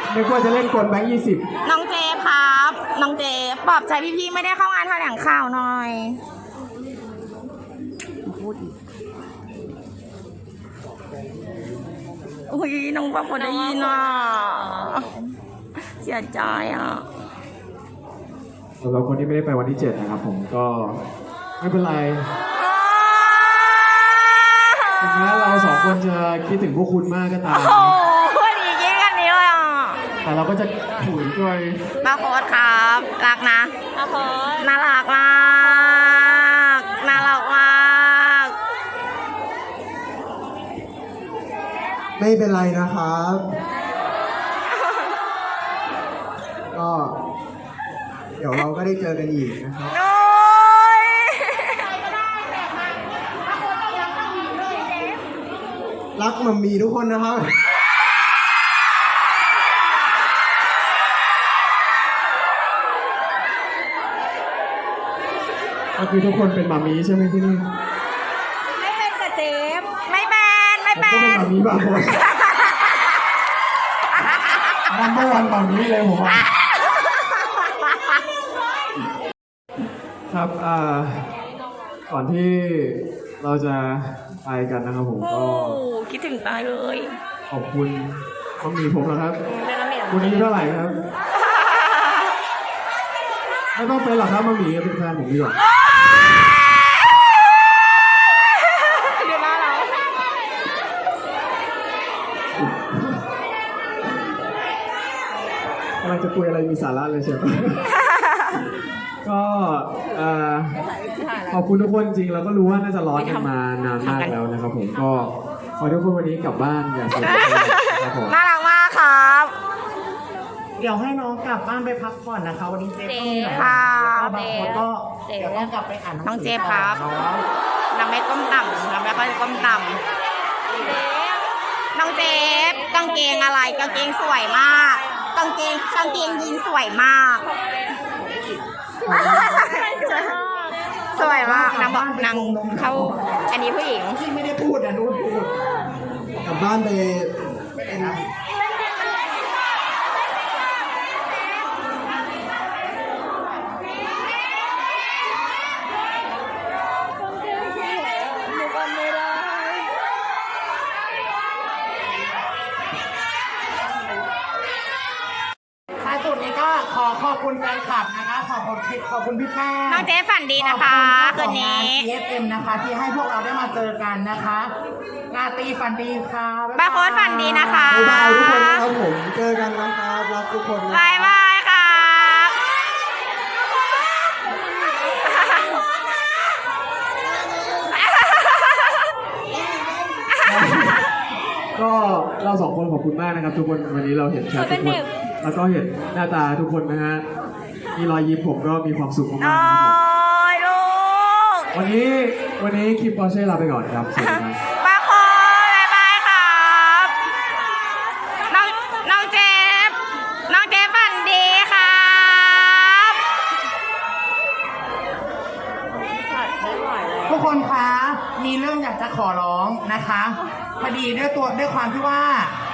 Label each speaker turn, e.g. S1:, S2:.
S1: นึกว่าจะเล่นกลแบงค์20
S2: น้องเจครับน้องเจปลอบใจพี่ๆไม่ได้เข้างานแถลงข่าวหน่อยพูดอีกอุ้ยน้องปะพอได้ยินอ่ะเสียใจอ่ะ
S1: สำหรับคนที่ไม่ได้ไปวันที่7นะครับผมก็ไม่เป็นไรถึงแม้เรา2คนจะคิดถึงพวกคุณมากก็ตาม
S2: โอ้โหดียิ่งกันนี้เลยอ่ะ
S1: แต่เราก็จะถุยด้วย
S2: ป้าโค้ดครับรักนะป้าโค้ดน่ารักมากน่ารักมาก
S3: ไม่เป็นไรนะครับก็เดี๋ยวเราก็ได้เจอกันอีกนะครับรักมัมมี่ทุกคนนะครับ
S1: ก็คือทุกคนเป็นหมามีใช่ไหมที่นี่
S2: ไม่เป็นกับเจฟไม่เป็นไม่เป็น
S1: ก็เป็นหมามีบางคนนัมเบอร์วันหมามีเลยผมว่าครับก่อนที่เราจะไปกันนะครับผมก็
S2: คิดถึงตายเลย
S1: ขอบคุณหมามีผมนะครับคุณอายุเท่าไหร่ครับไม่ต้องเป็นหรอกครับหมามีเป็นแฟนผมดีกว่าเราจะคุยอะไรมีสาระเลยใช่ไหม ก็ขอบคุณทุกคนจริงเราก็รู้ว่าน่าจะร้อนกันมานานมากแล้วนะครับผมก็ขอทุกคนวันนี้กลับบ้านอย่างสบายครับผม
S2: น่ารักมากครับ
S4: เดี๋ยวให้น้องกลับบ้านไปพักผ่อนนะคะวันนี้เจฟก็มีหลาย
S2: ค่ะ
S4: บางคนก็เดี๋ยวต้องกลับไปอ่านหนังสื
S2: น้องเจฟครับนางไม่ก้มต่ำนางไม่ค่อยก้มต่ำน้องเจฟกางเกงอะไรกางเกงสวยมากกางเกงยีนสวยมากสวยมากนางบอกนางเขาอันนี้ผู้หญิง
S4: ที่ไม่ได้พูดอ่ะนู้นพูด
S3: กลับบ้านไปเป็น
S4: ท้ายสุดนี้ก็ขอบคุณแฟนคลับนะคะขอบคุณพี่แป้ง
S2: น้องเจฟฝันดีนะคะคืนนี้
S4: TFM นะคะที่ให้พวกเราได้มาเจอกันนะคะราตรีฝันดีค่ะ
S2: บ้าโค้ดฝันดีนะคะ
S3: บ๊ายบายทุกคนนะครับผมเจอกันนะครับรักทุกคนนะ
S2: บายบายครับ
S1: ก็เรา2คนขอบคุณมากนะครับทุกคนวันนี้เราเห็นแชททุกคนแล้วก็เห็นหน้าตาทุกคนนะฮะมีรอยยิ้มผมก็มีความสุขมากๆนะครับ
S2: ลูก
S1: วันนี้คิมปอร์เช่ลาไปก่อนครับสวัสดีครับ
S2: บ้าโค้ดบายบายครับน้องเจฟฝันดีครับ
S4: ทุกคนคะมีเรื่องอยากจะขอร้องนะคะพอดีด้วยความที่ว่า